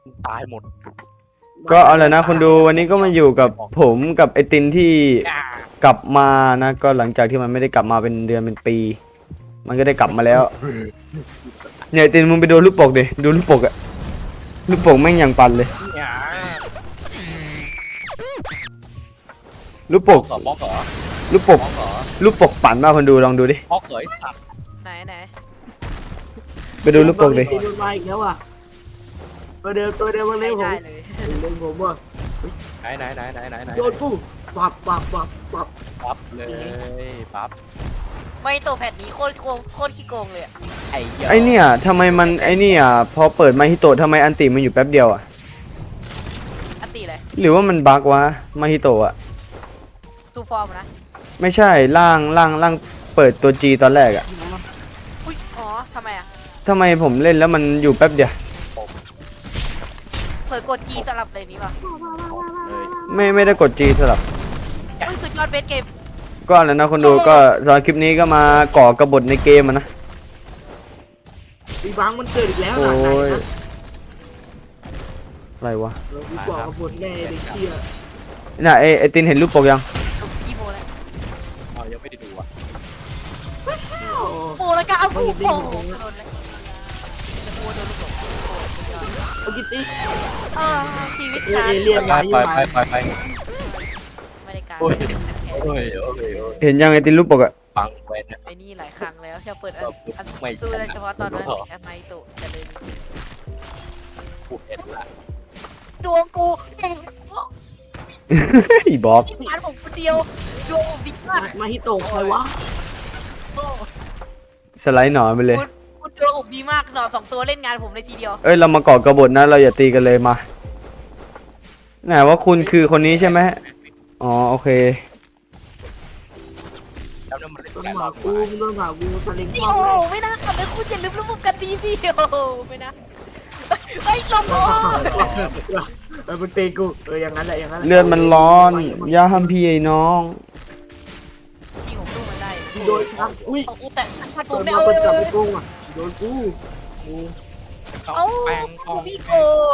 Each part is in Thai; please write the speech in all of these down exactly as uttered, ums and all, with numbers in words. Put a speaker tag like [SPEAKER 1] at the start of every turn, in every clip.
[SPEAKER 1] ตายหมด
[SPEAKER 2] ก็เอาเลยนะคนดูวันนี้ก็มาอยู่กับผมกับไอตินที่กลับมานะก็หลังจากที่มันไม่ได้กลับมาเป็นเดือนเป็นปี มันก็ได้กลับมาแล้วเนี่ยไอตินมึงไปดูลูกโป่งดิดูลูกโป่งอะลูกโป่งแม่งอย่างปันเลยลูกโป่ง
[SPEAKER 1] บล็อกเหรอบล็อกเหรอ
[SPEAKER 2] ลูกโป่ง
[SPEAKER 1] บล็อกเหรอ
[SPEAKER 2] ลูกโป่งปั่นมากคนดูลองดูดิ
[SPEAKER 1] บล็อกเหรอไอ้สัตว์
[SPEAKER 3] ไหนไหน
[SPEAKER 2] ไปดูลูกโป่งดิ
[SPEAKER 4] โดนมาอีกแล้วอ่ะตัวเดิมตัวเดิมมาเร็วผม
[SPEAKER 3] ได้เลย
[SPEAKER 4] เร็วผมว่ะ
[SPEAKER 1] ไหนไหนไหนไหนไหนไหน
[SPEAKER 4] โดนปุ๊บปับปับปับปับ
[SPEAKER 1] ปั๊บเลยปั๊บ
[SPEAKER 3] ไม่ตัวแผ่นนี้โคตรโกงโคตรขี้โกงเลยอะ
[SPEAKER 1] ไอ้เหี้ย
[SPEAKER 2] ไอเนี่ยทำไมมันไอเนี่ยพอเปิดมาฮิโตะทำไมอันติมันอยู่แป๊บเดียวอะ
[SPEAKER 3] อันตีเลย
[SPEAKER 2] หรือว่ามันบั๊กวะมาฮิโตะอะ
[SPEAKER 3] ทูฟอร์มนะ
[SPEAKER 2] ไม่ใช่ล่างล่างล่างเปิดตัว G ตอนแรกอะ
[SPEAKER 3] อุ้ยอ๋อทำไมอะ
[SPEAKER 2] ทำไมผมเล่นแล้วมันอยู่แป๊บเดียว
[SPEAKER 3] เผยกดจีสลับเลยนี้ป่ะ
[SPEAKER 1] เลย
[SPEAKER 2] ไม่ไม่ได้กด G สลับ
[SPEAKER 3] เฮ้ยสุดยอดเบสเกม
[SPEAKER 2] ก็แล้วนะคนดูก็สำหรับคลิปนี้ก็มาก่อกบฏในเกมอะนะ
[SPEAKER 4] ปีบังมันเกิดอีกแล้ว
[SPEAKER 2] โอ้
[SPEAKER 4] หลานไหน
[SPEAKER 2] ย
[SPEAKER 4] นะ
[SPEAKER 2] อะไรวะ
[SPEAKER 4] เราพี่บอกกับบทแน่เด็กเชี่ย
[SPEAKER 2] น่ะไอไอตินเห็นรูปปกยัง
[SPEAKER 3] กี่โมแล้ว
[SPEAKER 1] เอายังไม่ได้ดูอ่ะ
[SPEAKER 3] โปแล้วก็เอากูโปโดนเลยโปโดนลูกหลง
[SPEAKER 4] เอากิตตี้
[SPEAKER 3] เออชีวิต
[SPEAKER 4] เอ
[SPEAKER 3] การ
[SPEAKER 4] เอเลี่ยน
[SPEAKER 1] ไป
[SPEAKER 4] มา
[SPEAKER 1] ไปไปไปไป
[SPEAKER 3] ไม่ได้การ
[SPEAKER 1] โอ้ยโอ้ยโอ้ยโอ้ย
[SPEAKER 2] เห็นยังไอตินรูปปกอะ
[SPEAKER 1] ฟังไปนะ
[SPEAKER 3] ไอ้นี่หลายครั้งแล้วเชียวเปิดอันอัน
[SPEAKER 1] ไม่
[SPEAKER 3] สู้ได้เฉพาะตอนนั้นแอมไมโตจะเลย
[SPEAKER 1] กูเห็นละ
[SPEAKER 3] ดวงกูเอง
[SPEAKER 2] อีบอก
[SPEAKER 3] ที่งานผมคนเดียวดวงผมดีมาก
[SPEAKER 4] มาฮิโตะใครวะ
[SPEAKER 2] สไลด์หนอนไปเลย
[SPEAKER 3] คุณคุณดวงผมดีมากหนอสองตัวเล่นงานผมเลยทีเดียว
[SPEAKER 2] เอ้ยเรามาก่อกบฏนะเราอย่าตีกันเลยมาไหนว่าคุณคือคนนี้ใช่ไหมอ๋อโอเค
[SPEAKER 1] แล้วนั่นมันเล่น
[SPEAKER 4] ต้น
[SPEAKER 1] กัน
[SPEAKER 4] หมากูต้นหมากูสลิง
[SPEAKER 3] นี่
[SPEAKER 4] คอม
[SPEAKER 3] โอ้
[SPEAKER 4] เลย
[SPEAKER 3] ไม่น่าขับเลยคุณอย่าลืมระบบกันดีพี่โอ้ไม่นะไอ้ลมโอ้
[SPEAKER 4] เออมันตีกูเอออย่างนั้นแหละอย่างนั้น
[SPEAKER 2] เลือดมันร้อนอย่าทำพี่ไอ้น้อง
[SPEAKER 3] ยิงผมสู้มันได้
[SPEAKER 4] โดนชักอุ้ย
[SPEAKER 3] เอากูแต่ชัดผ
[SPEAKER 4] โด
[SPEAKER 3] ม
[SPEAKER 4] น
[SPEAKER 3] เนี่ย
[SPEAKER 4] มา
[SPEAKER 3] เอา
[SPEAKER 4] เป็นจับ
[SPEAKER 3] เล
[SPEAKER 4] ไป
[SPEAKER 3] ย
[SPEAKER 4] โกงอ่ะโดนกูกู
[SPEAKER 1] เขา
[SPEAKER 3] เอา
[SPEAKER 1] แปลงกอง
[SPEAKER 3] พี่โก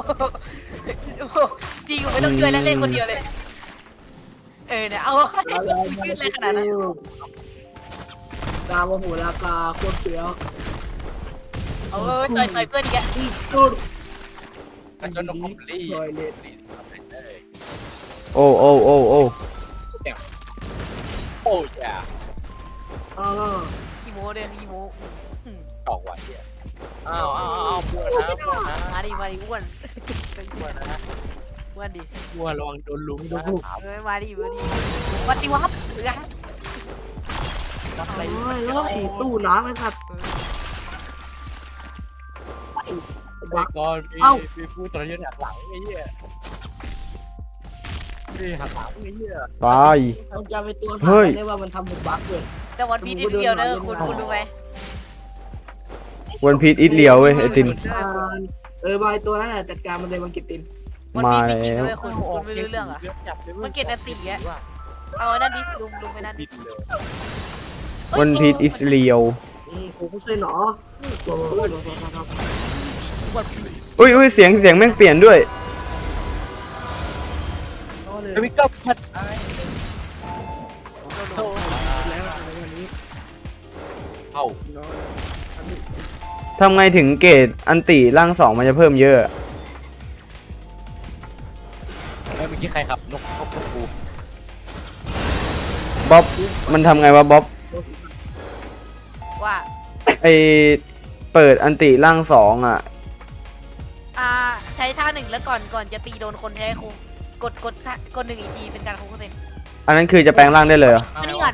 [SPEAKER 3] จริงผมไม่ต้องช่วยแล้วเล่นคนเดียวเลยเออเนี่ยเอายืดเลยขนาดนั้น
[SPEAKER 4] ดาวโหราคาโคตรเสียว
[SPEAKER 3] เออต่อยต่อยเพื่อนแก
[SPEAKER 4] สุด
[SPEAKER 1] ไอ้จนนกคอมลี่
[SPEAKER 4] ลอยเล็ด
[SPEAKER 2] โอ้โอ้โอ้โอ้
[SPEAKER 1] โอ้ยอ่ะ
[SPEAKER 4] อ่า
[SPEAKER 3] คีโมเดินคีโม
[SPEAKER 1] ดอกไว้เนี่ยอ้าวอ้าวอ้าวบัวนะบัวนะ
[SPEAKER 3] มาดิมาดิอ้วน
[SPEAKER 1] บัวนะ
[SPEAKER 3] อ้วนดิ
[SPEAKER 1] บัวระวังโดนลุมนะ
[SPEAKER 3] เออมาดิมาดิวัดดิวับหรือไง
[SPEAKER 1] วัดอะไร
[SPEAKER 4] โอ้ยแล้วผีตู้น้ำไอ้สัตว์
[SPEAKER 1] ไอ้ก่อนมี
[SPEAKER 4] เอ้า
[SPEAKER 1] มีผู้ตรยศหักหลังไอ้เหี้ยนี่หักหลังไอ้เหี้ย
[SPEAKER 2] ตาย
[SPEAKER 4] มันจะไปตัว
[SPEAKER 2] เฮ้ย
[SPEAKER 4] ได้ว่ามันทำเป็นบั๊กเลย
[SPEAKER 3] แต่วันพีนิดเดียวเนอะคุณคุณรู้ไหม
[SPEAKER 2] วันพีทอิทเลียวเว้ยไอติน
[SPEAKER 4] เออบายตัวนั้นแหละจัดการมันเลยมันกิตติน
[SPEAKER 3] วัน
[SPEAKER 2] มา
[SPEAKER 3] พีนิด
[SPEAKER 2] แล้ว
[SPEAKER 3] เลยคุณคุณไม่รู้เรื่องอ่ะมันเกตตีอ่ะเอาไอ้นั่นดิลุงลุงไปนั่นดิ
[SPEAKER 1] บินเลย
[SPEAKER 2] วันพีทอิสเลียว
[SPEAKER 4] อืมกูก็ใช่หนอตัว
[SPEAKER 2] อุ้ยอุ้ยเสียงเสียงแม่งเปลี่ยนด้วย
[SPEAKER 1] เอวิก้าพัดไอ้
[SPEAKER 4] โซ่แล้วอะไรวันนี้
[SPEAKER 1] เอ้า
[SPEAKER 2] ทำไงถึงเกรดอันติร่างสองมันจะเพิ่มเยอะ
[SPEAKER 1] แล้วเมื่อกี้ใครครับนกนกนกกู
[SPEAKER 2] บ๊อบมันทำไงวะบ๊อบ
[SPEAKER 3] ว่า
[SPEAKER 2] ไอเปิดอันติร่างสองอ่ะ
[SPEAKER 3] อ่าใช้ท่าหนึ่งแล้วก่อนก่อนจะตีโดนคนใช้ครูกดกดกดหนึ่งอีกทีเป็นการครูเซ็น
[SPEAKER 2] อันนั้นคือจะแปลงร่างได้เลยเหรอ
[SPEAKER 3] อันนี้ก่อน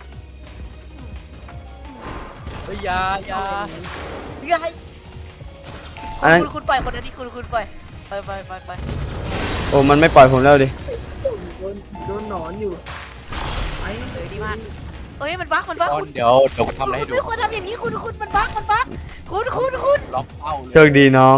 [SPEAKER 1] เฮ้ยยายา
[SPEAKER 3] เฮ้ย
[SPEAKER 2] อันนั้น
[SPEAKER 3] คุณคุณปล่อยคนนั้นที่คุณคุณปล่อยไปไปไปไป
[SPEAKER 2] โอ้มันไม่ปล่อยผมแล้วดิ
[SPEAKER 4] โดนโดนหนอนอยู่ไอ้
[SPEAKER 3] เออดีมากเอ้ยมันบั๊กมันบั๊ก
[SPEAKER 1] ตอ
[SPEAKER 3] คุ
[SPEAKER 1] น
[SPEAKER 3] ณ
[SPEAKER 1] เดี๋ยวเดี๋ยวกูทำอะไรให้
[SPEAKER 3] คุณ
[SPEAKER 1] ดู
[SPEAKER 3] ไม่ควรทำอย่างนี้คุณคุณมันบั๊กมันบั๊กคุณคุณคุณ
[SPEAKER 1] ล็อกเป้าเลย
[SPEAKER 2] โชคดีน้อง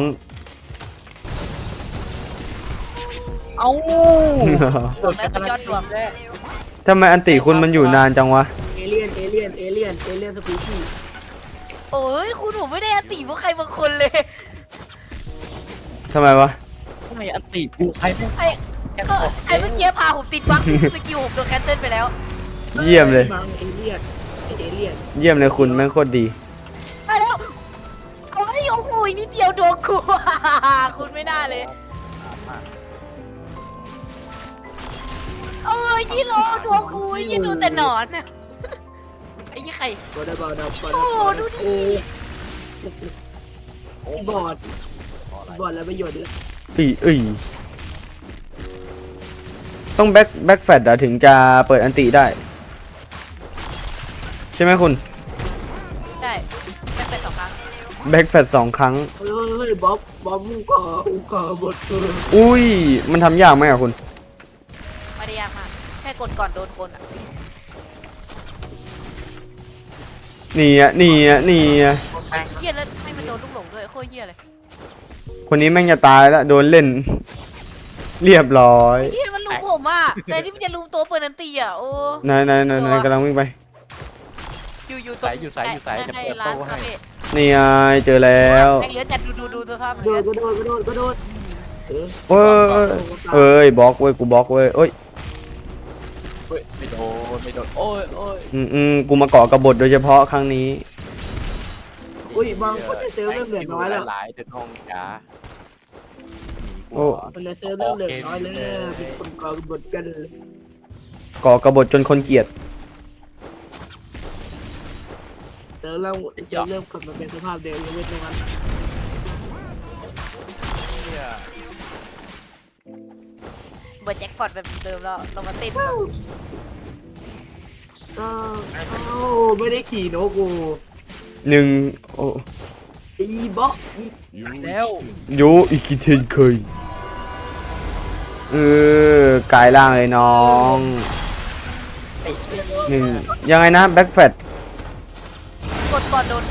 [SPEAKER 1] เอ้า
[SPEAKER 3] บอกแล้วก็ยอดดวง
[SPEAKER 2] ทำไมอันติคุณมันอยู่นานจังวะ
[SPEAKER 4] เอเลี่ยนเอเลี่ยนเอเลี่ยนเอเลี่ยนสปีชีส์
[SPEAKER 3] โอ้ยคุณผมไม่ได้อติเพราะใครบางคนเลย
[SPEAKER 2] ทำไมวะ
[SPEAKER 1] ไงอันติกูใครไม่
[SPEAKER 3] ไอ้ก็ไอ้เมื่อกี้พาผมติดบั๊กสกิลผมโดนแคนเซิลไปแล้ว
[SPEAKER 2] เยี่ยมเลย
[SPEAKER 4] มังเอเลี่ยนเอเลี่ยน
[SPEAKER 2] เยี่ยมเลยคุณแม่งโคตรดี
[SPEAKER 3] ไปแล้วเอาไอ้โอ้โหนิดเดียวโดนกู คุณไม่น่าเลยเออยี่โลโดนกูยี่ดูแต่หนอนน่ะไอ้ยี่ไข่
[SPEAKER 4] บอลบอลบอลบอล
[SPEAKER 3] โอ้ดูดิ
[SPEAKER 4] โอ้บอลบอลแล้วประโยชน์เลย
[SPEAKER 2] อีอีต้องแบ็คแบ็คแฟดถึงจะเปิดอันติได้ ใช่ไหมคุณ
[SPEAKER 3] ใช่ไม่เป็นสองครั้ง
[SPEAKER 2] แบ็คแฟดสองครั้ง
[SPEAKER 4] เฮ้ยเฮ้ยบ๊อบบ๊อบมึงก่อมึงก่อบทเออ
[SPEAKER 2] อุ้ย มันทำยากไหมอะคุณ
[SPEAKER 3] ไม่ได้ยากมากแค่กดก่อนโดนคนอ่ะ
[SPEAKER 2] นี่อะนี่อะนี่อะ
[SPEAKER 3] เฮียแล้วให้มันโดนลูกหลงด้วยโคตรเฮียเลย
[SPEAKER 2] คนนี้แม่งจะตายแล้วโดนเล่น เรียบร้อย
[SPEAKER 3] เฮียมันลุมผมอ่ะแต่ที่มันจะลุมตัวเปิดนันตีอ่ะโอ้
[SPEAKER 2] นายนายนายนายกำลังวิ่งไป
[SPEAKER 3] อยู่อยู่ตรงให้ร้านคาเฟ่
[SPEAKER 2] นี่ไงเจอแล้ว
[SPEAKER 3] แม่งเหลือแต่ดูดูดูสภาพมัน
[SPEAKER 4] โด
[SPEAKER 3] เหลื
[SPEAKER 4] น
[SPEAKER 3] อ
[SPEAKER 4] ก็โดนก็โดนก็โดนเออ
[SPEAKER 2] เอ้ยเอ้ยบล็อกเว้ยกูบล็อกเว้ยเอ้ย
[SPEAKER 1] เฮ้ยไม่โดนไม่โดนโอ้ยโอ้ย
[SPEAKER 2] อืมอืมกูมาเกาะกบฏโดยเฉพาะครั้งนี้
[SPEAKER 4] อุ้ยบางคนเซลล์เริ่มเหลือน้อยแล้ว
[SPEAKER 1] หลายเดินห้องจ้าหนีกู
[SPEAKER 2] โอ้
[SPEAKER 4] คนเซลล์เริ่มเหลือน้อยแล้วมีคนก่อบทกัน
[SPEAKER 2] เกาะกบฏจนคนเกลียด
[SPEAKER 4] เซลล์เริ่มเซลล์เริ่มกลับมาเป็นสภาพเดิมยังไม่ตรงนั้น
[SPEAKER 1] เนี่ย
[SPEAKER 3] เบิร์ดแจ็คพอตแบบเดิมแล้วเรามาเต้น
[SPEAKER 4] อ้าวอ้าวไม่ได้ขี่โนกู
[SPEAKER 2] หนึ่งโอ้
[SPEAKER 4] อีบ๊อกอี
[SPEAKER 1] แล้ว
[SPEAKER 2] โยอีกทีเทนเคยเออกายล่างเลยน้องหนึ่งยังไงนะแบ็คแฟด
[SPEAKER 3] กดก่อนโดนคน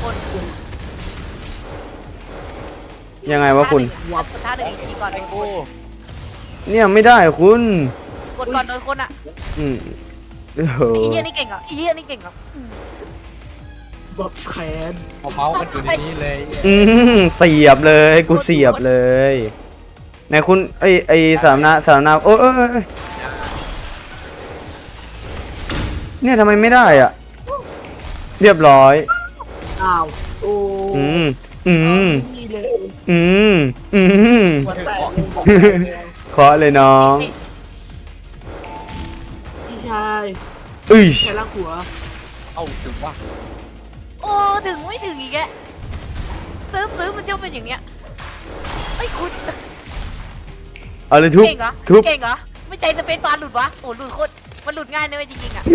[SPEAKER 2] ยังไงวะคุณ
[SPEAKER 3] วับท่าหนึ่งอีกทีก่อนโดนค
[SPEAKER 1] โอ้
[SPEAKER 3] น
[SPEAKER 2] เนี่ยไม่ได้คุณ
[SPEAKER 3] กดก่อนโดนคนอ่ะ
[SPEAKER 2] อืมโอ้โห
[SPEAKER 3] ไอ้เฮียนี่เก่งเหรอไอ้เฮียนี่เก่งเหรอ
[SPEAKER 4] บ๊อบแขน
[SPEAKER 1] เอาเมาส์มันอยู่ในนี้เลย
[SPEAKER 2] อืมเสียบเลยกูเสียบเลยไหนคุณไอไอสามนาสามนาโอ้ยเอ้ยเอ้ยเอ้ยเนี่ยทำไมไม่ได้อ่ะ เรียบร้อย
[SPEAKER 4] อ้าวโอ้
[SPEAKER 2] อืมอืม
[SPEAKER 4] นี่เลย
[SPEAKER 2] อืมอืม
[SPEAKER 4] หัวแตก
[SPEAKER 2] เคาะเลยน้อง
[SPEAKER 3] นี่
[SPEAKER 4] พี่ชาย
[SPEAKER 2] อุ้ย
[SPEAKER 4] แค่ลักหัว
[SPEAKER 1] เอาถึงว่า
[SPEAKER 3] โอ้ถึงไม่ถึงอีกแกซื้อซื้อมันเจ้าเป็นอย่างเนี้ยไอ้ยคุณ
[SPEAKER 2] เอาเลยทุบ
[SPEAKER 3] เก่งเหรอ
[SPEAKER 2] ทุบ
[SPEAKER 3] เก่งเหรอไม่ใจสเปซบาร์หลุดวะโอ้หลุดโคตรมันหลุดง่ายนะเว้ยจริงๆอ่ะ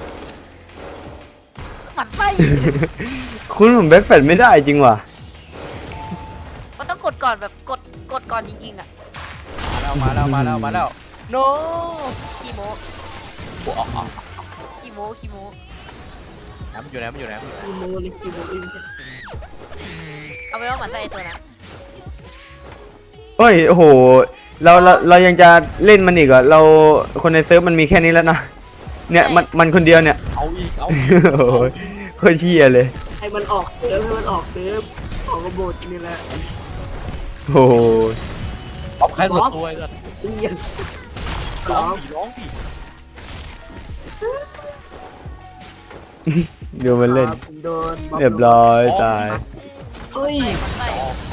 [SPEAKER 3] หมันไส้
[SPEAKER 2] คุณผมแบ็คแฟดไม่ได้จริงว่ะ
[SPEAKER 3] มันต้องกดก่อนแบบกดกดก่อนจริงๆอ่ะ
[SPEAKER 1] มาแล้วมาแล้วมาแล้วมาแล้ว no
[SPEAKER 3] คีโม
[SPEAKER 1] โอ้ออกออก
[SPEAKER 3] คีโมคีโม
[SPEAKER 1] น้ำมันอยู่ไหนมันอยู่ไหนมันอยู่ไหน
[SPEAKER 4] อีโมเลยอีโมเอง
[SPEAKER 3] เอาไปว่าหมันไส้ไอ้ตัวนั้น
[SPEAKER 2] เฮ้ยโอ้โหเราเราเรายังจะเล่นมันอีกเหรอเราคนในเซิร์ฟมันมีแค่นี้แล้วนะเนี่ยมันมันคนเดียวเนี่ย
[SPEAKER 1] เอาอีกเอา
[SPEAKER 2] โอ้ยโคตรเที่ยเลย
[SPEAKER 4] ให้มันออกเติมให้มันออกเติมออกกระโบดนี่แหละ
[SPEAKER 2] โอ้โห
[SPEAKER 1] เอาใครหมดตัวเลย
[SPEAKER 4] เรียนส
[SPEAKER 1] ร้
[SPEAKER 4] อ
[SPEAKER 1] อง
[SPEAKER 4] ง
[SPEAKER 1] ดิร้องดิ
[SPEAKER 2] ดูมันเล่น
[SPEAKER 4] ผมโดน
[SPEAKER 2] เรียบร้อยตาย
[SPEAKER 4] เฮ้ย
[SPEAKER 3] หมันไส้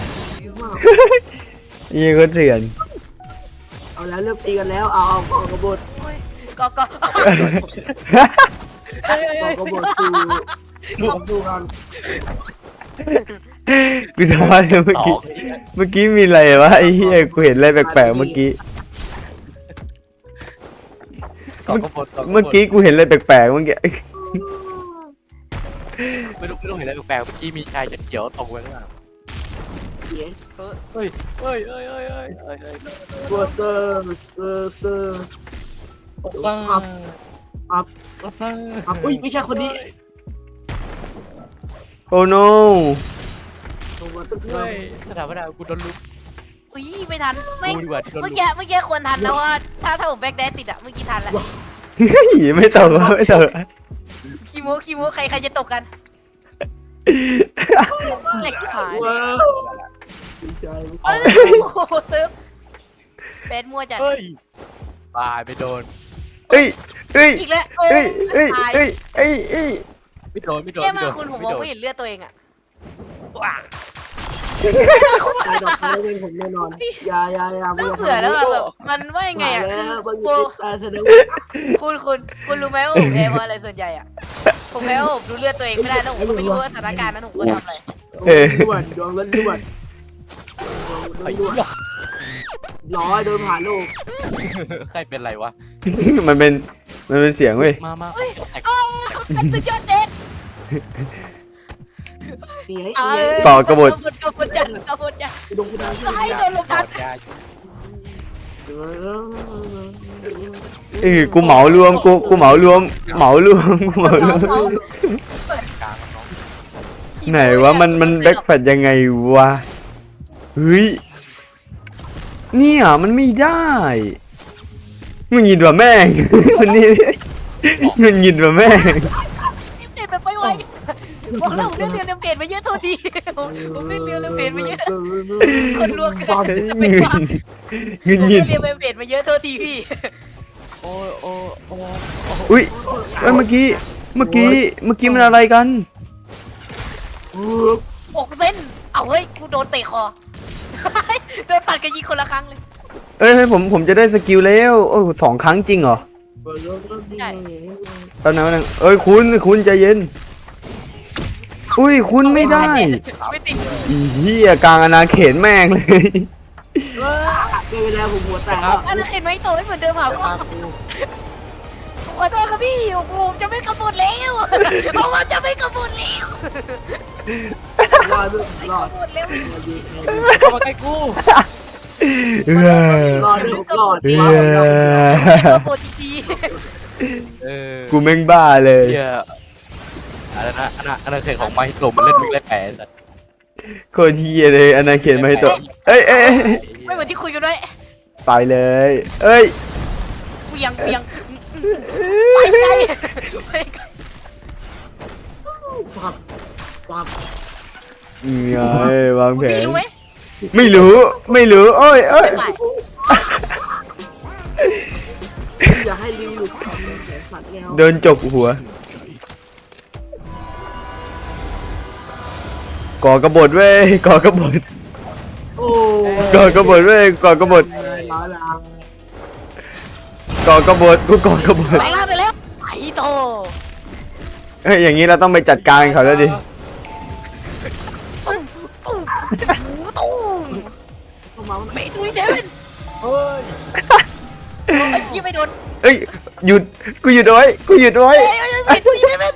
[SPEAKER 2] ยี่ก็เถื่อน
[SPEAKER 4] เอาแล้วเริ่มตีกันแล้วเอาเอาออกกระโบด
[SPEAKER 3] โอ้ยก็ก็
[SPEAKER 4] ออกกระโบดคือดูดูกัน
[SPEAKER 2] กูทำอะไรเมื่อ
[SPEAKER 1] ต่อ
[SPEAKER 2] กี้เมื่อกี้มีอะไรวะไอ้เหี้ยกูเห็นอะไรแปลกๆเมื่อกี้
[SPEAKER 1] ต่อกระบด
[SPEAKER 2] เมื่อกี้กูเห็นอะไรแปลกๆเมื่อกี้
[SPEAKER 1] ไม่รู้ไม่รู้เห็นอะไรแปลกๆเมื่อกี้มีชายจะเขียวตกไปข้างหลัง
[SPEAKER 4] เสียง
[SPEAKER 1] เฮ้ยเฮ้ยเฮ้ยเฮ้ยเฮ้ยเฮ้ยเฮ้ย
[SPEAKER 4] เซอร์เซอร์เซอร์เซอร์
[SPEAKER 1] โอ้ซ่า
[SPEAKER 4] อัพอัพ
[SPEAKER 1] โอ้ซ่า
[SPEAKER 4] อัพอุ้ยไม่ใช่คนนี้
[SPEAKER 2] โอ้โน
[SPEAKER 4] ผมว่าต้องเริ่
[SPEAKER 1] เฮ้
[SPEAKER 4] ม
[SPEAKER 1] ยสถาปนากูโดนลุก
[SPEAKER 3] อุ้ยไม่ทันไม่
[SPEAKER 1] กูดีกว่าที่โดน
[SPEAKER 3] เมื่อ
[SPEAKER 1] ลุก
[SPEAKER 3] กี้เมื่อกี้ควรทันแล้วว่าถ้าถ้าผมแบ็คแดนติดอะเมื่อกี้ทันแล้ว
[SPEAKER 2] เฮ้ยไม่ตกไม่ตก
[SPEAKER 3] คีโมคีโมใครใครจะตกกันเหล็กขาย
[SPEAKER 4] ว้าวพี่ชาย
[SPEAKER 3] เอ้ยโอ้โหเติมเบสมั่วจัด
[SPEAKER 1] เฮ้ยตายไปโดน
[SPEAKER 2] เอ้ยเอ้ย
[SPEAKER 3] อีกแล้วโอ้
[SPEAKER 2] เอ้ยเอ้ย
[SPEAKER 3] ตาย
[SPEAKER 2] เอ้ยเอ้ยเอ้ย
[SPEAKER 1] ไม่โดนไม่โดน
[SPEAKER 3] เยี่ย
[SPEAKER 1] ไม่
[SPEAKER 3] มา
[SPEAKER 1] โดน
[SPEAKER 3] คุณผมม
[SPEAKER 1] ไม่
[SPEAKER 3] อง
[SPEAKER 1] โดน
[SPEAKER 3] ไม่เห็นเลือดตัวเองอะ
[SPEAKER 1] ว้า
[SPEAKER 4] ตายดอกไม้เป็นผมแน่นอนอย่าอย่าอย่า
[SPEAKER 3] เริ่มเบื่อแล้วอะแบบมันว่ายังไงอะคือ
[SPEAKER 4] มัน
[SPEAKER 3] โปร
[SPEAKER 4] ตายแสดง
[SPEAKER 3] คุณคุณคุณรู้ไหมว่าผมแพ้เพราะอะไรส่วนใหญ่อะผมแพ้ว่าผมดูเลือดตัวเองไม่ได้แล้วผมก็ไม่รู้ว่าสถานการณ์นั้นผมก็ทำอะไร
[SPEAKER 4] ล้วนดวงล้วนล้วน
[SPEAKER 1] ไอ้
[SPEAKER 4] ล้วน
[SPEAKER 1] เหี้ย
[SPEAKER 4] ร้อยโดนผ่านลูก
[SPEAKER 1] ใครเป็นไรวะ
[SPEAKER 2] มันเป็นมันเป็นเสียงเว้ย
[SPEAKER 1] มามา
[SPEAKER 3] เฮ้ย
[SPEAKER 1] แตก
[SPEAKER 3] อ้าวสุดยอดเด็ด
[SPEAKER 4] นี่ไง
[SPEAKER 3] เอ้ย
[SPEAKER 2] ต่อกบฏ
[SPEAKER 3] กบฏจัดกบฏจัด
[SPEAKER 4] ดวงคุณดาว
[SPEAKER 3] ให้โดนลงทัน
[SPEAKER 1] ยา
[SPEAKER 2] เอ้ยกูเหมารวมกูกูเหมารวมเหมารวมกูเหมารวม
[SPEAKER 1] กลางมันน้อง
[SPEAKER 2] ไหนวะมันมันแบ็คแฟดยังไงวะเฮ้ยเนี่ยมันไม่ได้มึงยินว่าแม่ง มันนี่มึงยินว่าแม่ง
[SPEAKER 3] เปลี่ยนแบบไปไวบอกแล้วผมเล่นเรียนเปลี่ยนมาเยอะโทษทีผมผมเล่นเรียนเปลี่ยนมาเยอะคนลวกเกินเป็นว่า
[SPEAKER 2] เงิน
[SPEAKER 3] ผม
[SPEAKER 2] ยิ
[SPEAKER 3] เล่
[SPEAKER 2] น
[SPEAKER 3] นเรียนเปลี่ยนมาเยอะโทษทีพี่
[SPEAKER 1] โอ้ยโอ้ยโอ้ย
[SPEAKER 2] อุ้ยเอ้ยเมื่อกี้เมื่อกี้เมื่อกี้มันอะไรกัน
[SPEAKER 3] อกเส้นเอาเฮ้ยกูโดนเตะคอโดนผัดกันยิงคนละครั้งเลย
[SPEAKER 2] เอ้ยผมผมจะได้สกิลแล้วโอ้สองครั้งจริงเหรอแป๊บนึงแป๊บนึงเอ้ยคุณคุณใจเย็นอุ้ยคุณไม่ได้
[SPEAKER 3] ไม่ติด
[SPEAKER 2] อีเหี้ยกลางอาณาเขตแม่งเลย
[SPEAKER 4] เวลาผมหัวแตกแล้ว
[SPEAKER 3] อันนั้นเห็นไหมโตไม่เหมือนเดิมอ่ะขอโทษครับพี่ผมจะไม่กำหนดแล้วเพราะว่าจะไม่กำหนดแล้ว
[SPEAKER 4] รอดรอด
[SPEAKER 3] กำหนดแล้ว
[SPEAKER 1] เข้ามาใกล้กู
[SPEAKER 2] เออ
[SPEAKER 4] รอดด้วยรอด
[SPEAKER 2] เอ
[SPEAKER 4] รอด
[SPEAKER 2] อก
[SPEAKER 3] ำหนดที
[SPEAKER 1] เออ
[SPEAKER 2] กูแม่งบ้าเลย
[SPEAKER 1] เหี้ยอะไรนะอันนั้นอันนั้นเคยของไม้หลมมันเล่นมิกเล่นแปดแต่
[SPEAKER 2] โคตรเฮียเลยอาณาเขตมาให้ตัวเอ้ยเอ้ยเอ้ย
[SPEAKER 3] ไม่เหมือนที่คุยกันไว้
[SPEAKER 2] ตายเลยเอ้ย
[SPEAKER 3] เวียงเวียงไปไกลไปไกล
[SPEAKER 4] ปับปับ
[SPEAKER 2] ไงวางแผ
[SPEAKER 3] พี่
[SPEAKER 2] น
[SPEAKER 3] รู้ไหม
[SPEAKER 2] ไม่รู้ไม่รู้โอ้ยเอ้ย
[SPEAKER 3] ไป
[SPEAKER 4] อย่าให้ลิวหลุดสัตว์แนว
[SPEAKER 2] โดนจกหัวก่อกบฏเว้ยก่อกบฏ
[SPEAKER 4] โอ้
[SPEAKER 2] ก่อกบฏเว้ยก่อกบฏ
[SPEAKER 4] ร้อยละ
[SPEAKER 2] ก่อกบฏกูก่อกบฏ
[SPEAKER 3] ไปล่าไปแล้วไอ้โต
[SPEAKER 2] เฮ้ยอย่างนี้เราต้องไปจัดการเขาแล้วดิ
[SPEAKER 3] ตุ้มตุ้มหูตุ้ม
[SPEAKER 4] เข้ามา
[SPEAKER 3] เมตุยเดวิน
[SPEAKER 4] เฮ้ย
[SPEAKER 3] ไอ้ยี่ไม่โดน
[SPEAKER 2] เอ้ยหยุดกูหยุดไว้กูหยุดไว้
[SPEAKER 3] เอ้ยเมตุยเดวิน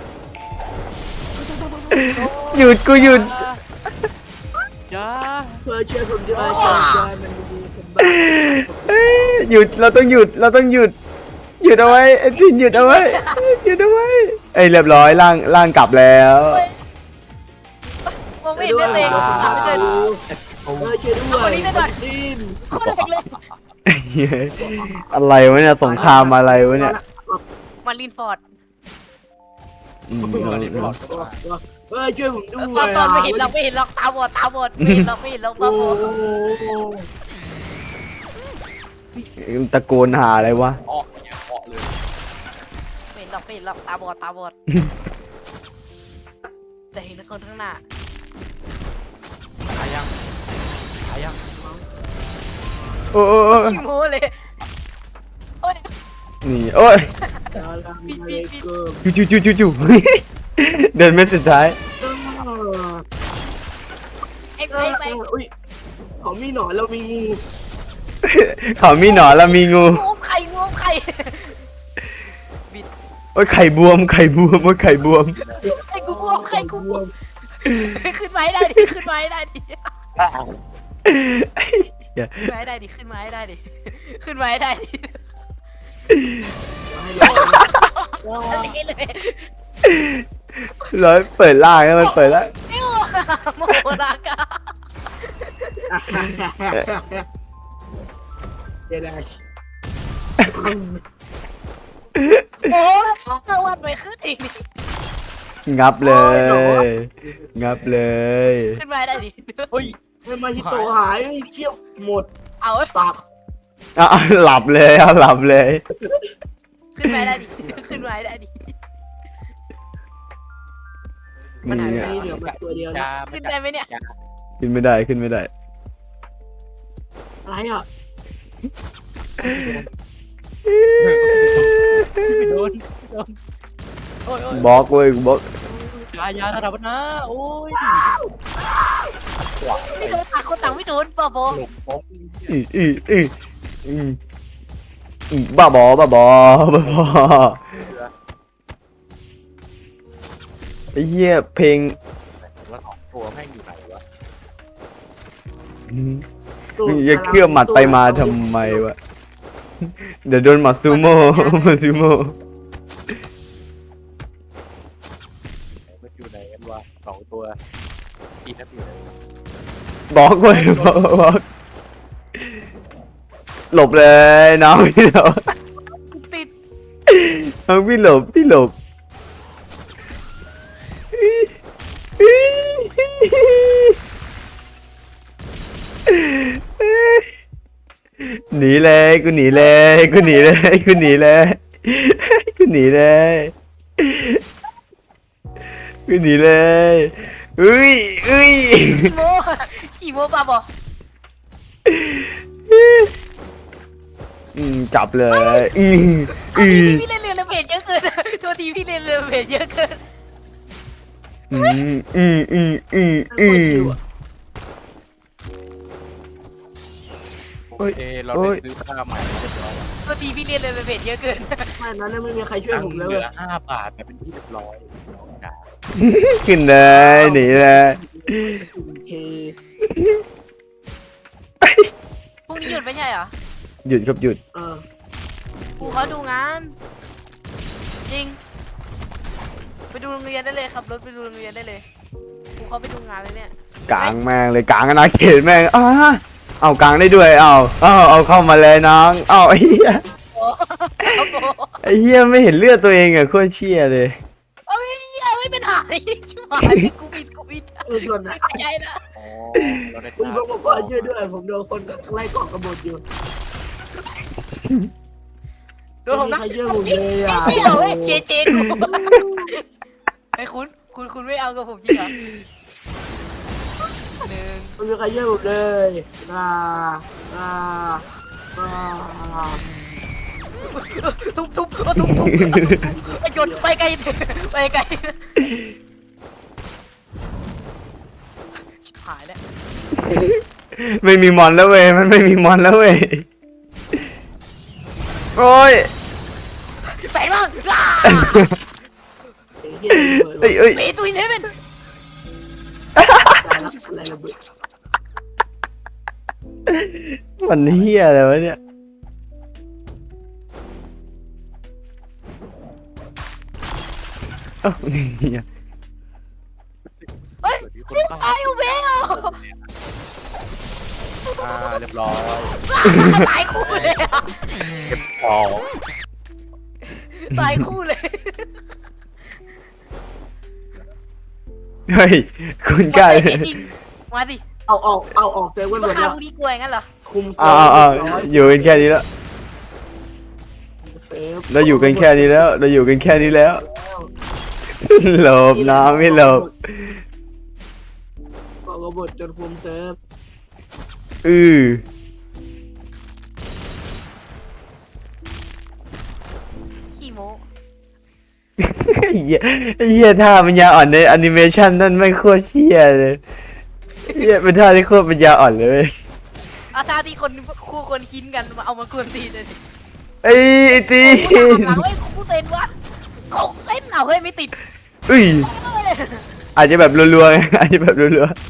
[SPEAKER 2] หยุดกูหยุด
[SPEAKER 1] ยา
[SPEAKER 4] เพื่อเชื่อผมด้วยเชื่อใจมันดีผมบ้า
[SPEAKER 2] เอ้ยหยุดเราต้องหยุดเราต้องหยุดหยุดเอาไว้ไอ้ทินหยุดเอาไว้หยุดเอาไว้เอ้ยเรียบร้อยล่างล่างกลับแล้ว
[SPEAKER 3] มองไม่เห็นเลือดตัวเองทำไม่เกิน
[SPEAKER 4] เออช่วยด้วยดิน
[SPEAKER 3] โคตรแรงเลย
[SPEAKER 2] อะไรวะเนี่ยสงครามอะไรวะเนี่ย
[SPEAKER 3] มารินฟอร์ด
[SPEAKER 2] อืม
[SPEAKER 4] เออช่วยผมด้วย
[SPEAKER 3] ตอนตอนไม่เห็นเราไม่เห็นเราตาบอดตาบอดไม่เห็นเราไม่เห็นเราตา
[SPEAKER 4] โอ้
[SPEAKER 3] บอด
[SPEAKER 2] ตะโกนหาอะไรวะ
[SPEAKER 1] ออกเนี่ยออกเลย
[SPEAKER 3] ไม่เห็นเราไม่เห็นเราตาบอดตาบอดแต่เห็นคนข้างหน้า
[SPEAKER 1] ตายยังตายยัง
[SPEAKER 2] โอ้โอ้โอ้
[SPEAKER 3] ขี้โม้เลยโอ้ย
[SPEAKER 2] นี่โอ้ย
[SPEAKER 4] ย
[SPEAKER 2] จู่จู่จู่จู่ เดินเม็ดสุดท้าย
[SPEAKER 3] ไอ้
[SPEAKER 4] เอ
[SPEAKER 3] ไป
[SPEAKER 4] อ
[SPEAKER 3] ไป
[SPEAKER 4] อุ้ยเขามีหนอนเรามีงู
[SPEAKER 2] เขามีหนอนแล้วมีงู
[SPEAKER 3] งูไข่งูไข่
[SPEAKER 2] โอ้ยไข่บวมไข่บวมโอ้ยไข่บวม
[SPEAKER 3] ไข่กูบวมไข่กูบวมขึ้นมาให้ได้ดิขึ้นมาให้ได้ดิขึ้นมาให้ได้ดิขึ้นมาให้ได้ดิขึ้นมาให้ได้ดิอะไรเลย
[SPEAKER 2] ร้อยเปิดล่างแล้วมันเปิดแล้ว
[SPEAKER 3] นิ้วโมรากา
[SPEAKER 4] เดี๋ยวได้
[SPEAKER 3] โอ้สวัสดีขึ้นอีกนี่
[SPEAKER 2] งับเลย งับเลย
[SPEAKER 3] ขึ้นมาให้ได้ดิ
[SPEAKER 1] เฮ้ย
[SPEAKER 4] ไม่มาฮิโตะหายเชี่ยวหมด
[SPEAKER 3] เอา
[SPEAKER 4] สับ
[SPEAKER 2] อ่ะหลับเลยอ่ะหลับเลย
[SPEAKER 3] ขึ้นไปได้ดิขึ้นไปได้ดิ มันหายไปไหน
[SPEAKER 4] นี่เหลือมาตัวเดียวนะ
[SPEAKER 1] จ้า
[SPEAKER 3] ขึ้นได้ไหมเนี่ย
[SPEAKER 2] ขึ้นไม่ได้ขึ้นไม่ได้
[SPEAKER 4] อะไรอ่ะ
[SPEAKER 1] ไม่โดนโดนโอ้ยโอ้ย
[SPEAKER 2] บล็อกเว้ยบล็อก
[SPEAKER 1] ยายาระดับนะโอ้ย
[SPEAKER 3] ไม่โดนต่างคนต่างไม่โดนป่ะโบ
[SPEAKER 1] หลบป๊อก
[SPEAKER 2] อืออืออืออืออือบ้าบอบ้าบอบ้าบอไอ้เหี้ยเพลง
[SPEAKER 1] ว่าสองตัวแม่งอยู่ไหนวะ
[SPEAKER 2] อืมอย่าเคลื่อนหมัดไปมาทำไมวะเดี๋ยวโดนหมัดซูโม่หมัดซูโม่
[SPEAKER 1] มันอยู่ไหนกันวะสองตัวอีนั่นอยู่ไหน
[SPEAKER 2] บล็อกเว้ยบล็อกบล็อกหลบเลยน้องพี่หลบ
[SPEAKER 3] ติด
[SPEAKER 2] น้องพี่หลบพี่หลบหนีเลยกูหนีเลยกูหนีเลยกูหนีเลยกูหนีเลยกูหนีเลยอุ้ยอุ้ย
[SPEAKER 3] ขี่โมขี่โมป่ะโบ
[SPEAKER 2] อืมจับเลยอืม
[SPEAKER 3] เอา
[SPEAKER 2] อื
[SPEAKER 3] ที
[SPEAKER 2] ม
[SPEAKER 3] พี่เล่นเรือระเบิดเยอะเกินโทษทีพี่เล่นเรือระเบิดเยอะเกิน
[SPEAKER 2] อืมอืมอืมอืม
[SPEAKER 4] โค
[SPEAKER 2] อื
[SPEAKER 4] ตร
[SPEAKER 2] ม
[SPEAKER 4] ชิวอ่ะ
[SPEAKER 1] โอเคเราได้ซื้อผ้าใหม่เรียบร้อย
[SPEAKER 3] โทษทีพี่เล่นเรือระเบิดเยอะเกิน
[SPEAKER 4] ไม่นั้นไม่มีใครช่วยผมเลย
[SPEAKER 1] เห
[SPEAKER 4] เว้
[SPEAKER 1] ลื
[SPEAKER 4] ย
[SPEAKER 1] อห้าบาทแต่เป็นที่เรียบร้อยจ้า
[SPEAKER 2] ขึ้นเลยหนีเลย
[SPEAKER 4] โอเค
[SPEAKER 3] พรุ่งนี้หยุดไม่ใช่เหรอ
[SPEAKER 2] หยุดครับหยุด
[SPEAKER 4] เออ
[SPEAKER 3] ครูเขาดูงาน จริง ไปดูโรงเรียนได้เลยครับรถไปดูโรงเรียนได้เลยครูเขาไปดูงานเลยเนี่ย
[SPEAKER 2] กลางแม่งเลยกลางอนาเขตแม่งอ้าเอากลางได้ด้วยเอาเอาเอาเข้ามาเลยน้องเอาไอ้เหี้ย
[SPEAKER 3] โอ้โห
[SPEAKER 2] ไอ้เหี้ยไม่เห็นเลือดตัวเองอะโคตรเชี่ยเลย
[SPEAKER 3] เอ้ยเหี้ยไม่เป็นหายชิบหายกูผิดกูผิด
[SPEAKER 4] เออส่วนไหน
[SPEAKER 3] ไม่ใช่นะ
[SPEAKER 1] อ๋อเราได้
[SPEAKER 4] คุณบอกบอกว่าช่วยด้วยผมโดนคนไล่เกาะกระบฏอยู่
[SPEAKER 3] โดนผม
[SPEAKER 4] ไม่
[SPEAKER 3] นะ
[SPEAKER 4] มีใครช่วยผมเลยอ่ะ
[SPEAKER 3] ไม่เกี่ยวเว้ยเจเจกูไอ้คุณคุณคุณไม่เอากับผมจริงเหรอหนึ่ง
[SPEAKER 4] ไม่มีใครช่วยผมเลยอ่าอ่าอ่า
[SPEAKER 3] ทุบทุบทุบทุบทุบไปหยุดไปไกลไปไกลชิบหายแล้ว
[SPEAKER 2] ไม่มีมอนแล้วเว้ยมันไม่มีมอนแล้วเว้ยโอ้ย
[SPEAKER 3] แปลงร่าง
[SPEAKER 4] ไอ้เหี้ยระเบิด
[SPEAKER 2] เอ้ยเอ้ย
[SPEAKER 3] เมตุยเนเวน
[SPEAKER 4] ตายแล้วอะไรระเบิด
[SPEAKER 2] มันเหี้ยอะไรวะเนี่ยเอ้าเหี้ย
[SPEAKER 3] เฮ้ย
[SPEAKER 1] ที่คน
[SPEAKER 3] ตายอยู่เบล
[SPEAKER 1] อ่าเรียบร้อย
[SPEAKER 3] ตายคู่เลยอะ
[SPEAKER 1] เก็บของ
[SPEAKER 3] ตายคู่เลย
[SPEAKER 2] เฮ้ยคุณกล้า
[SPEAKER 3] มาสิจริงมาสิ
[SPEAKER 4] เอาออกเอาออกเซเว่นหม
[SPEAKER 3] มา
[SPEAKER 4] ด
[SPEAKER 3] ฆ่า
[SPEAKER 4] แล้ว
[SPEAKER 3] พวกนี้กลัวอย่างนั้นเหรอ
[SPEAKER 4] คุมเซ
[SPEAKER 2] อ้า
[SPEAKER 4] เว่
[SPEAKER 2] วน อ้าว
[SPEAKER 4] เรียบร้อย
[SPEAKER 2] อยู่กันแค่นี้แล้ว
[SPEAKER 4] เซฟ
[SPEAKER 2] เราอยู่กันแค่นี้แล้ว เราอยู่กันแค่นี้แล้วหลบน้ำไม่หลบ
[SPEAKER 4] เกาะกระบฏจนคุมเซฟ
[SPEAKER 2] อือ
[SPEAKER 3] ขี้โม
[SPEAKER 2] เหี้ยเหี้ยท่าปัญญาอ่อนในแอนิเมชันนั่นไม่งโคตรเชี่ยเลยเหี้ยเป็นท่าที่โคตรปัญญาอ่อนเลย
[SPEAKER 3] เอาท่าที่คนคู่คนคินกันมาเอามากวนตีนเลย
[SPEAKER 2] ไอ้ไอ้ตี
[SPEAKER 3] โอ้โหหลังไอ้คู่เต้นวะเขาเส้นเอาเฮ้ยไม่ติด
[SPEAKER 2] อุ้ย
[SPEAKER 3] เอ้ย
[SPEAKER 2] อาจจะแบบรัวๆไงอาจจะแบบรัวๆ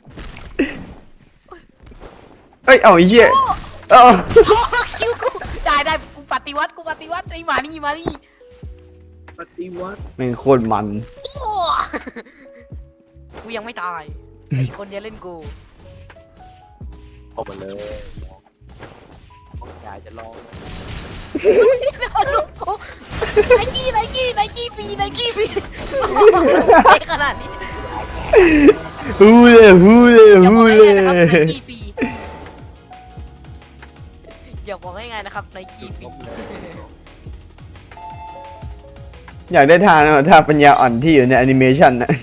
[SPEAKER 2] เอ้ย เอาไอ้เหี้ยเอ้า
[SPEAKER 3] โอ้คิวกูได้ได้กูปฏิวัติกูปฏิวัติไอ้หมานี่มานี่
[SPEAKER 4] ปฏิวัติ
[SPEAKER 2] แม่งโคตรมัน
[SPEAKER 3] โอ้กูยังไม่ตายไอ้คนเนี้ยเล่นกู
[SPEAKER 1] ออกมาเลยยายจะลอง
[SPEAKER 3] ลูกกูไนกี้ไนกี้ไนกี้ฟรีไนกี้ฟรีไอ้ขนาดนี้
[SPEAKER 2] ฮูเลยฮูเลย
[SPEAKER 3] อย่าบ
[SPEAKER 2] ฮู
[SPEAKER 3] อก
[SPEAKER 2] เล
[SPEAKER 3] ให้นะครับไน
[SPEAKER 2] ย
[SPEAKER 3] กี้ฟรีอย่าบอกง่ายๆนะครับในกีฟิ
[SPEAKER 2] อยากได้ทางนะถ้าปัญญาอ่อนที่อยู่ในแอนิเมชันนะ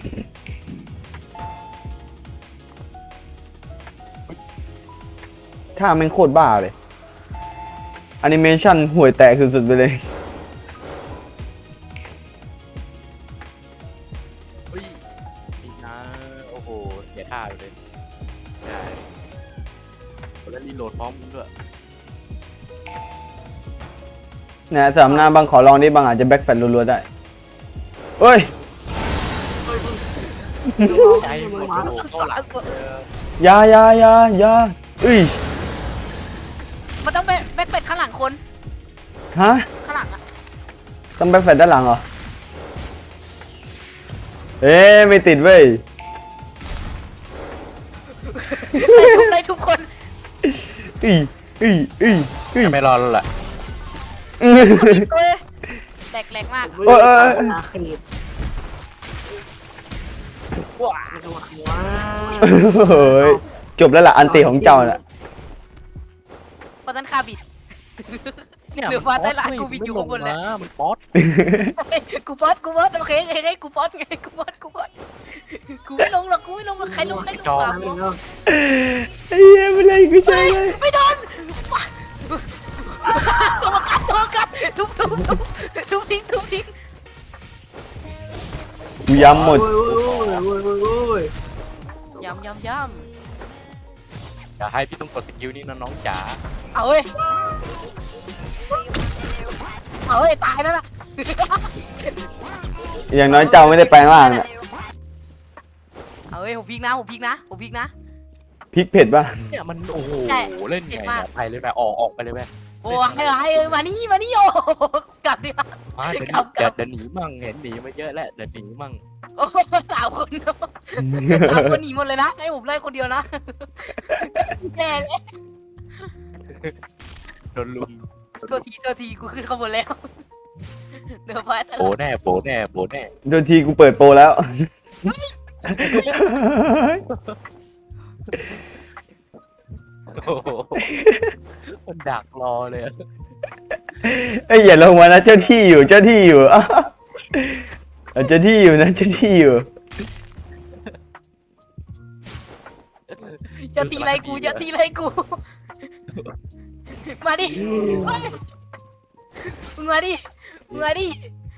[SPEAKER 2] ถ้ามันโคตรบ้าเลยแอนิเมชันห่วยแตกสุดๆไปเลย
[SPEAKER 1] เฮ้ยนี่นะโอ้โหเสียท่าเลยใช่แล้วรีโหลดพร้อมด้วย
[SPEAKER 2] นะสามหน้าบางขอลองดิบางอาจจะแบ็คแฟลรัวๆได้เอ้ย
[SPEAKER 1] ใจหมดโอ้โหเข้าหลังเออ
[SPEAKER 2] อยาอยาอยาอยาเอ้ย
[SPEAKER 3] มันต้องเป็นแบ็คเป็ดข้างหลังคน
[SPEAKER 2] ฮะ
[SPEAKER 3] ข้างหลังอะ
[SPEAKER 2] ต้องแบ็คแฟลด้านหลังเหรอเอ๊ะไม่ติดเว้ย
[SPEAKER 3] ไล่ทุกคน
[SPEAKER 2] อีอีอีอี
[SPEAKER 1] ไม่รอแล้วแหละ
[SPEAKER 3] เฮ้ยแหลกแหลกมาก
[SPEAKER 4] โอ้ยอาเขตว้าว้า
[SPEAKER 2] เฮ้ยจบแล้วล่ะอันติของเจ้าน่ะ
[SPEAKER 3] เพราะฉะนั้นคาบิด เหนือฟ้าใต้ล่างกูบิดอยู่ข้างบนแล้ว
[SPEAKER 1] มันป๊อต
[SPEAKER 3] กูป๊อตกูป๊อตโอเคเฮ้ยเฮ้ยกูป๊อตไงกูป๊อตกูป๊อตกูไม่ลงหรอกกูไม่ลงหรอกใครลงใครลงตามลง
[SPEAKER 2] ไอ้เหี้ยไม่เลยกูใช่เลย
[SPEAKER 3] ไม่โดนตัวกัดตัวกัดทุบทุบทุบทุบทิ้งทุบทิ้ง
[SPEAKER 2] กูย้ำหมด
[SPEAKER 4] โอ้ยโอ้ยโอ้ยโอ้ยโอ้ย
[SPEAKER 3] ย้ำย้ำย้
[SPEAKER 1] อย่าให้พี่ต้องกดสกิลนี้นะน้องจ๋า
[SPEAKER 3] ำเอาเว้ยเอาเว้ยตายแล้วล่ะ
[SPEAKER 2] อย่างน้อยเจ้าไม่ได้แปลงร่างน่ะ
[SPEAKER 3] เอาเว้ยผมพลิกนะผมพลิกนะผมพลิกนะ
[SPEAKER 2] พริกเผ็ดป่ะ
[SPEAKER 1] เนี่ยมันโอ้โห
[SPEAKER 3] ใช่
[SPEAKER 1] เล่นไง
[SPEAKER 3] เจ็บมาก
[SPEAKER 1] เนี่ยไปเลยไปออกออกไปเลยไป
[SPEAKER 3] โอ้ยไอ้มานี่มานี่โอ้กลับดิ
[SPEAKER 1] มาเดี๋ยว
[SPEAKER 3] กลับกลับ
[SPEAKER 1] เดี๋ยวหนีมั่งเห็นหนีมาเยอะแล้วเดี๋ยวหนีมั่ง
[SPEAKER 3] โอ้สามคนสามคนหนีหมดเลยนะให้ผมไล่คนเดียวนะแย่เลย
[SPEAKER 1] โดนลุม
[SPEAKER 3] ตัวทีตัวทีกูขึ้นข้างบนแล้วเดี๋ยวพอแต่
[SPEAKER 1] โบแน่โบแน่โบแน่
[SPEAKER 2] โดนทีกูเปิดโปรแล้ว
[SPEAKER 1] โอ้โหมันดักรอเลยอะ
[SPEAKER 2] เอ้ยอย่าลงมานะเจ้าที่อยู่เจ้าที่อยู่อ้าวเจ้าที่อยู่นะเจ้าที่อยู่
[SPEAKER 3] เจ้าทีไรกูเจ้าทีไรกูมาดิมึงมาดิมึงมาดิ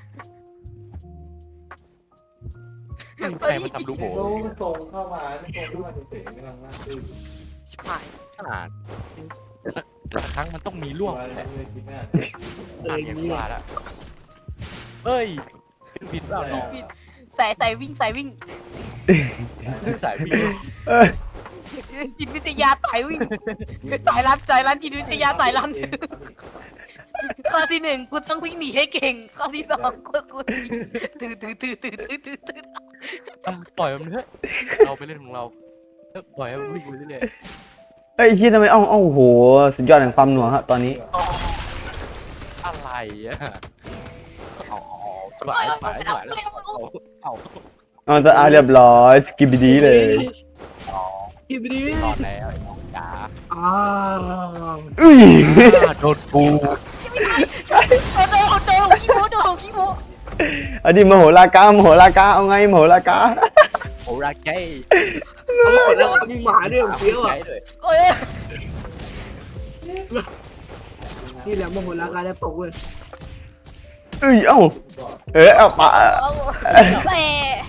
[SPEAKER 1] ใครมาทำลูกโบ
[SPEAKER 2] ส่งเข้ามาส่งเข้ามาเฉยๆไม่ต้องมา
[SPEAKER 3] ชิบหาย
[SPEAKER 1] ขนาดแต่สักแต่สักครั้งมันต้องมีล่วงแหละอ่านอย่างว่าละเฮ้ยขึ้นบินเปล่าน้อง
[SPEAKER 3] ใส่ใส่วิ่งใส่วิ่ง
[SPEAKER 1] สายบิน
[SPEAKER 2] เอ้ย
[SPEAKER 3] จิตวิทยาสายวิ่งสายรันสายรันจิตวิทยาสายรันข้อที่หนึ่งกูต้องวิ่งหนีให้เก่งข้อที่สองกูกูตื่นตื่นตื่นตื่นตื่นตื่นตื่น
[SPEAKER 1] อ่ะปล่อยมันเถอะเราไปเล่นของเราเออปล่อยให้มันวิ่งไปเรื่อย
[SPEAKER 2] เอ้ยที่ทำไมอ้าวอ้าวโหสุดยอดแห่งความหน่วงฮะตอนนี้
[SPEAKER 1] ๆอะไรอ่ะเอาสบายสบายสบายแล้วเอาเอา
[SPEAKER 2] เอาแต่อาเรียบร้อยสกิบดีเลย
[SPEAKER 1] เอา
[SPEAKER 4] ทีบีดี
[SPEAKER 1] รอดแล้วไอ้น้องจ๋า
[SPEAKER 4] อ้าว
[SPEAKER 2] อุ้ย
[SPEAKER 1] โดนกู
[SPEAKER 3] โอ้โหโอ้โหขี้โม้โดนขี้โม้
[SPEAKER 2] อันนี้มโหรากามโหรากาเอาไงมโหรากา
[SPEAKER 1] โอ้รักใจ
[SPEAKER 4] เอาหมดแล้วมีหมาด้วยเฟี้ยวอ่ะ
[SPEAKER 1] เลย
[SPEAKER 3] โอ้ย
[SPEAKER 4] นี่แหละโมโหลาการจะตกเว้ย
[SPEAKER 2] เอ้ยเอ้าเอ้ยเอาปะ
[SPEAKER 3] แหม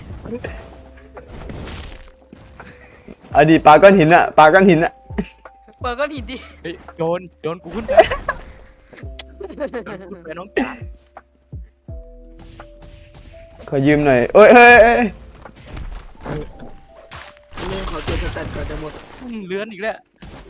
[SPEAKER 2] อันนี้ปลาก้อนหินอะปลาก้อนหินอะ
[SPEAKER 3] เปิดก้อนหินดิ
[SPEAKER 1] เฮ้ยโยนโยนกูขึ้นไปโยนกูขึ้นไปน้องจ๋า
[SPEAKER 2] ขอยืมหน่อยเอ้ยเอ้ยเอ้ย
[SPEAKER 4] เรื่องขอเจอสแตนก่อนจะหมด
[SPEAKER 1] อืมเลื้อนอีกแล้ว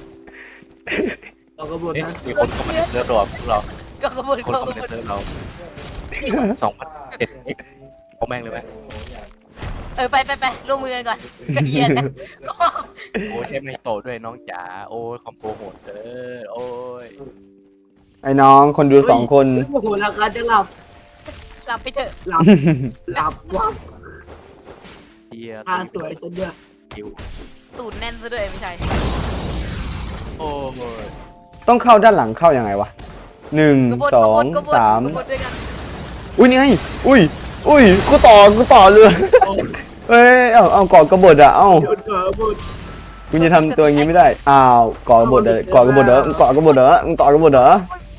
[SPEAKER 4] เราก็บน
[SPEAKER 1] เอ๊ะ
[SPEAKER 4] นะ
[SPEAKER 1] มีคนเข้ามาในเซิร์ฟเราพวกเรา
[SPEAKER 3] ก็กระบวน
[SPEAKER 1] คน
[SPEAKER 3] กระ
[SPEAKER 1] เข้า
[SPEAKER 3] บ
[SPEAKER 1] มาใน
[SPEAKER 3] วน
[SPEAKER 1] เซิร์ฟเราสองพันเจ็ดเอ็กเอาแม่งเลยไหม
[SPEAKER 3] เออไปไปไปร่วมมือกันก่อนกระเทียนนะ
[SPEAKER 1] โอ้ใช้ไม่โตด้วยน้องจ๋าโอ้ยคอมโบโหดเกินโอ้ย
[SPEAKER 2] ไอ้น้องคนดูสองคน
[SPEAKER 4] โมโหลาการจะหลับ
[SPEAKER 3] หลับไปเถอะ
[SPEAKER 4] หลับหลับวับ
[SPEAKER 1] เฮีย
[SPEAKER 4] ตาสวยซะด้วย
[SPEAKER 1] คิว
[SPEAKER 3] ตูดแน่นซะด้วยไม่ใช่
[SPEAKER 1] โอ้ย
[SPEAKER 2] ต้องเข้าด้านหลังเข้ายังไงวะหนึ่ง
[SPEAKER 3] กบฏ
[SPEAKER 2] สอก ง
[SPEAKER 3] บฏกบฏ
[SPEAKER 2] สาม
[SPEAKER 3] กบฏด้วยกัน
[SPEAKER 2] อุ้ยนี่ไงอุ้ยอุ้ยกูต่อกูต่อเลยเอ้ยเอาเอาก่อกระบฏอะเอ้า
[SPEAKER 4] หยุดเถอะบุตร
[SPEAKER 2] คุณจะทำตัวอย่างนี้ไม่ได้อ้าวก่อกระบฏเหรอก่อกระบฏเหรอมึงก่อกระบฏเหรอมึงต่อกระบฏเหรอ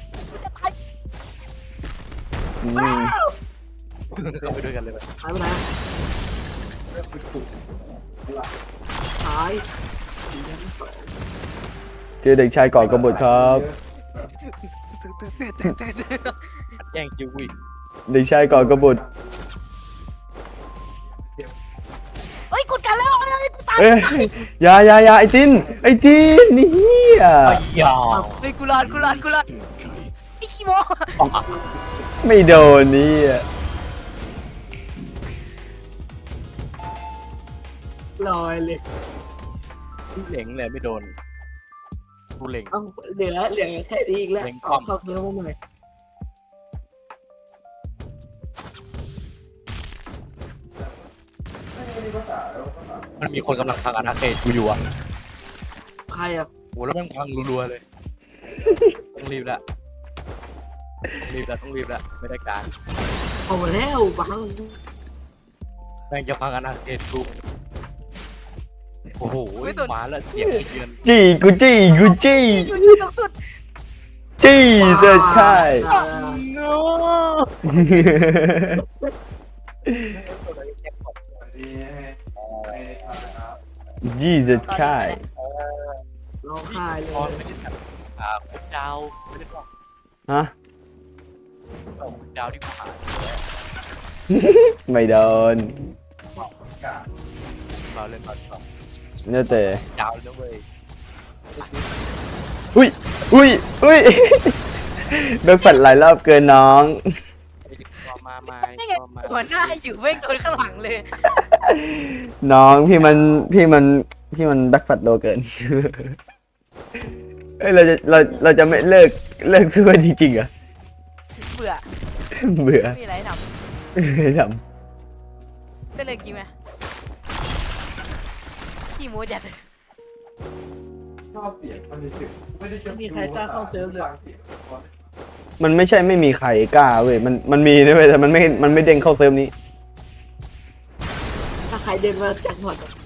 [SPEAKER 2] อืม
[SPEAKER 1] เข้าไปด้วยกันเลยไป
[SPEAKER 4] หายไปไหนหาย
[SPEAKER 2] เจอเด็กชายก่อกระบฏครับ
[SPEAKER 1] แย่งจิวอีก
[SPEAKER 2] เด็กชายก่อกระบฏ
[SPEAKER 3] เฮ้ยกดกันแล้วเฮ้ยกูตาย
[SPEAKER 2] เอ้ยอยาอยาอยาไอ้ตินไอ้ตินนี่อ่ะ
[SPEAKER 1] ไอ้ยา
[SPEAKER 3] เฮ้ยกูรอดกูรอดกูรอดไอ้ขี้โม
[SPEAKER 2] ไม่โดนนี่อ่ะ
[SPEAKER 4] ลอยเลย
[SPEAKER 1] เหล็งเลยไม่โดนกูเหล็ง
[SPEAKER 4] เอ้าเหลือเหลือแค่นี้อีกแล้ว
[SPEAKER 1] เล็ง
[SPEAKER 4] เอา
[SPEAKER 1] ป้อม
[SPEAKER 4] เข้าเซิร์ฟมาใหม่
[SPEAKER 1] มันมีคนกำลังพังอาณาเขตกูอยู่อ่ะ
[SPEAKER 4] ใครอ่ะ
[SPEAKER 1] โหแล้วแม่งพังรัวๆเลยต้องรีบละต้องรีบละต้องรีบละไม่ได้การ
[SPEAKER 4] เอาแล้วบัง
[SPEAKER 1] แม่งจะพังอาณาเขตกูโอ้โหมาแล้วเสียงเยือน
[SPEAKER 2] จี้กูจี้กูจี้
[SPEAKER 3] อยู่ที่ตรงสุด
[SPEAKER 2] จี้เสิร์ชค่าย
[SPEAKER 3] โน้
[SPEAKER 2] ยี่สิบค่าย
[SPEAKER 4] ร้องไห้เล
[SPEAKER 1] ตอน
[SPEAKER 4] ย
[SPEAKER 1] ไม่ได้แบบอ่าคุณดาวไม่ได้บอก
[SPEAKER 2] ฮะ
[SPEAKER 1] คุณดาวที่กูหา
[SPEAKER 2] ไม่โดน
[SPEAKER 1] เราเล่นตอนสอง
[SPEAKER 2] เนี่ยแต่
[SPEAKER 1] ดาวเลยเว้ย
[SPEAKER 2] อุ้ยอุ้ยอุ้ยเบิกฝันหลายรอบเกินน้อง
[SPEAKER 1] ไอ้ที่ตัวมามา
[SPEAKER 3] นี่ไง
[SPEAKER 1] ตัวมา
[SPEAKER 3] หัวหน้าอยู่เว้งโดนข้างหลังเลย
[SPEAKER 2] น้องพี่มันพี่มันพี่มันแบ็คฟัดโลเกิน เอ้ยเราจะเราเราจะไม่เลิกเลิกสู้กันจริงๆเหรอ
[SPEAKER 3] เบื่อ
[SPEAKER 2] เบื่อ
[SPEAKER 3] ไม่มีอะไรให้ท
[SPEAKER 2] ไม่ท
[SPEAKER 3] ำได้เลยกี่ไหมขี้โมจัด
[SPEAKER 4] มีใครกล้าเข้าเซิร์ฟเลย
[SPEAKER 2] ำมันไม่ใช่ไม่มีใครกล้าเว้ยมันมันมีนะเว้ยแต่มันไม่มันไม่เด้งเข้าเซิร์ฟนี้
[SPEAKER 4] ถ้าใครเดินมาแจ็คพอตอะ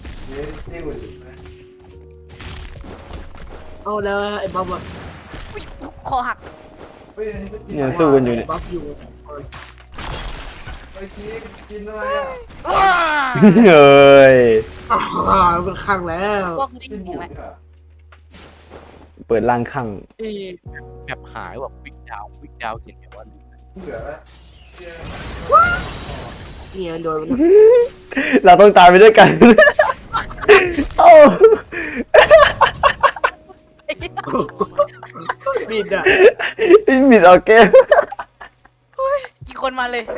[SPEAKER 4] เอาแล้วไอ้บ๊อบอะ
[SPEAKER 3] อุ๊ยคอหัก
[SPEAKER 2] เนี่ยสู้กันอยู่เนี่ย
[SPEAKER 4] บ๊อบอยู่
[SPEAKER 3] อ้า
[SPEAKER 2] เฮ้ย
[SPEAKER 4] อ่ามันข้างแล้ว
[SPEAKER 3] พวกกูได้ยินเสียงไหม
[SPEAKER 2] เปิดล่างข้าง
[SPEAKER 1] เอ้แบบหายแบบวิกดาววิกดาวเสียงแบบว่า
[SPEAKER 4] เนี่ยโดนมัน
[SPEAKER 2] เราต้องตายไปด้วยกัน เอ้า
[SPEAKER 4] บิดอ่ะ
[SPEAKER 2] บิดออกเกม
[SPEAKER 3] กี่คนมาเลย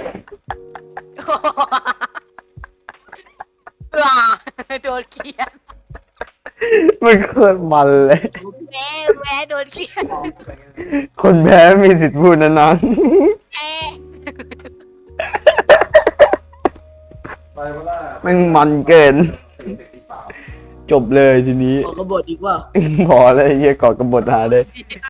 [SPEAKER 3] ว้าโดนเขียน
[SPEAKER 2] มันโคตรมันเลย
[SPEAKER 3] แม่แม่โดนเขียน
[SPEAKER 2] คนแพ้มีสิทธิ์พูดนะน้อง
[SPEAKER 3] แม่
[SPEAKER 2] แมันมันเกิน จบเลยทีนี้
[SPEAKER 4] ออกกระบดอีกว่า
[SPEAKER 2] พอแล้วไอ้เหี้ยก่อกระบฏหาเลย